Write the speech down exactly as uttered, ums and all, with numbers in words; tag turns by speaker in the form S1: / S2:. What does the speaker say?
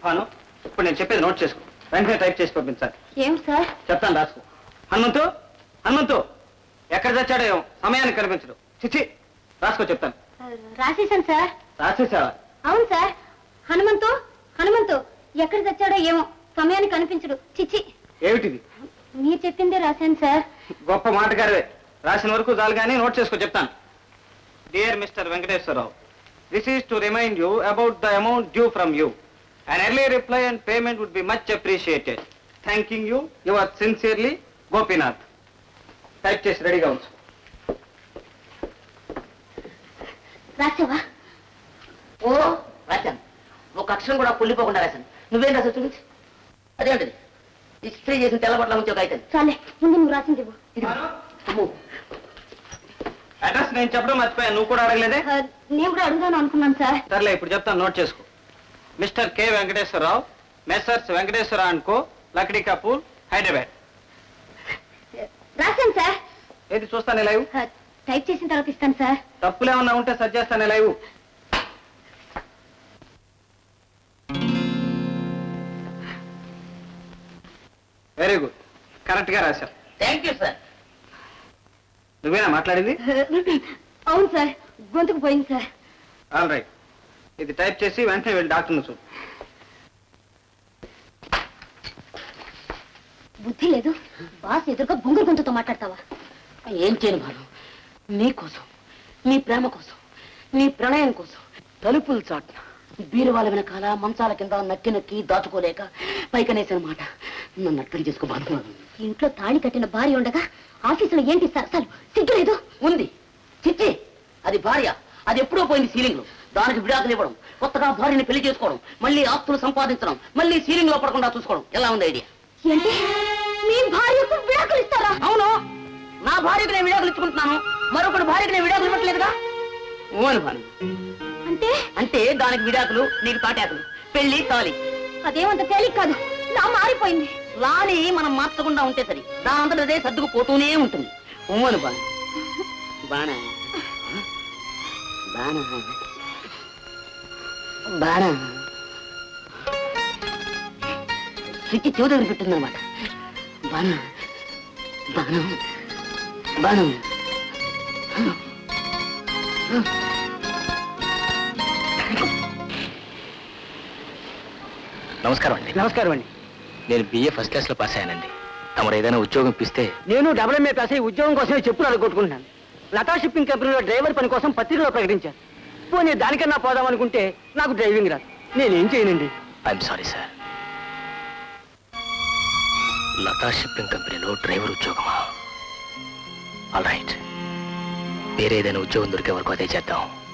S1: భాను ఇప్పుడు నేను చెప్పేది నోట్ చేసుకో, వెంటనే టైప్ చేసి పంపించాలి.
S2: ఏం సార్?
S1: చెప్తాను, రాసుకో. హనుమంతు హనుమంతు ఎక్కడ తెచ్చాడో ఏమో సమయానికి కనిపించడు. చిచ్చి, రాసుకో చెప్తాను.
S2: రాసేసాను సార్.
S1: రాసేసావా?
S2: అవును సార్. హనుమంతు హనుమంతు ఎక్కడ తెచ్చాడో ఏమో సమయానికి కనిపించడు. చిచ్చి.
S1: ఏమిటిది?
S2: మీరు చెప్పిందే రాశాను సార్.
S1: గొప్ప మాటగారివే. రాసిన వరకు చాలు కానీ నోట్ చేసుకో చెప్తాను. Dear mister Venkateswara Rao, this is to remind you about the amount due from you. An early reply and payment would be much appreciated. Thanking you, yours sincerely, Gopinath. Type చేసి రెడీగా ఉంచు.
S2: రాసావా?
S3: ఓ రాశాను. ఒక అక్షరం కూడా పుల్లిపోకుండా రాశాను. నువ్వేం రాసావు చూపించి. అదేంటిది? ఇస్త్రీ చేసిన తెల్లబట్ల ఉంచే ఒక అయితే
S2: చాలే, ముందు నువ్వు రాసింది ఇవ్వు.
S1: అడ్రస్ నేను చెప్పడం మర్చిపోయాను, నువ్వు కూడా అడగలేదే.
S2: నేను కూడా అడుగుదాను అనుకున్నాను సార్.
S1: సర్లే, ఇప్పుడు చెప్తాను, నోట్ చేసుకో. Mister K Venkateswara Rao, messrs Venkateswara and co, Lakdi Kapul, Hyderabad.
S2: రాశాను సార్.
S1: ఏది చూస్తానే లైవ్?
S2: టైప్ చేసిన తర్వాత ఇస్తాను సార్.
S1: తప్పులేమన్నా ఉంటే సరి చేస్తానే లైవ్. వెరీ గుడ్, కరెక్ట్ గా రాశావు.
S3: Thank you sir.
S1: నువ్వేనా మాట్లాడింది?
S2: అవును సార్, గొంతుకు పోయింది సార్.
S1: ఆల్ రైట్, ఇది టైప్ చేసి వెంటనే వెళ్ళి డాక్టర్ని చూడు.
S2: బుద్ధి లేదు, బాస్ ఎదురుగా బొంగురు గొంతుతో మాట్లాడతావా?
S3: ఏం చేయను భాను, నీ కోసం, నీ ప్రేమ కోసం, నీ ప్రణయం కోసం తలుపులు చాటున బీరువాల వెనకాల మంచాల కింద నక్కి నక్కి దాచుకోలేక పైకనేసిన మాట నన్ను అర్థం చేసుకో భాను.
S2: ఇంట్లో తాళి కట్టిన భార్య ఉండగా ఆఫీసులో ఏంటి అసలు సిగ్గులేదు?
S3: ఉంది. చిచ్చి, అది భార్య. అది ఎప్పుడో పోయింది సీలింగ్ లో. దానికి విడాకులు ఇవ్వడం, కొత్తగా భార్యని పెళ్లి చేసుకోవడం, మళ్ళీ ఆస్తులు సంపాదించడం, మళ్ళీ సీలింగ్ లో పడకుండా చూసుకోవడం, ఎలా ఉంది ఐడియా?
S2: ఏంటి, మీ భార్యకు విడాకులు ఇస్తారా?
S3: అవును, నా భార్యకు నేను విడాకులు ఇచ్చుకుంటున్నాను, మరొకటి భార్యకు నేను విడాకులు ఇవ్వట్లేదుగా. ఓను భాను.
S2: అంటే
S3: అంటే దానికి విడాకులు, నీకు తాటాకులు, పెళ్లి తాలి.
S2: అదేమంత తేలిక కాదు, నా మారిపోయింది.
S3: లాని మనం మార్చకుండా ఉంటే సరి, దాని అంతటా అదే సర్దుకుపోతూనే ఉంటుంది. ఓను బాను. బానా బానా బానా స్విచ్ చెవి దగ్గర పెట్టిందనమాట. బాను బాను బాను.
S1: నమస్కారం అండి.
S4: నమస్కారం అండి.
S1: నేను బిఏ ఫస్ట్ క్లాస్ లో పాస్ అయ్యానండి. తమరు ఏదైనా ఉద్యోగం ఇప్పిస్తే.
S4: నేను డబుల్ ఎంఏ పాస్ అయ్యి ఉద్యోగం కోసమే చెప్పులు అడగొట్టుకుంటున్నాను. లతా షిప్పింగ్ కంపెనీలో డ్రైవర్ పని కోసం పత్రికలో ప్రకటించాను. పోనీ దానికన్నా పోదాం అనుకుంటే నాకు డ్రైవింగ్ రాదు. నేనేం చేయనండి.
S1: I'm sorry sir. Latha shipping కంపెనీలో డ్రైవర్ ఉద్యోగమా? ఆల్ రైట్, వేరే ఏదైనా ఉద్యోగం దొరికే వరకు అదే చేద్దాం.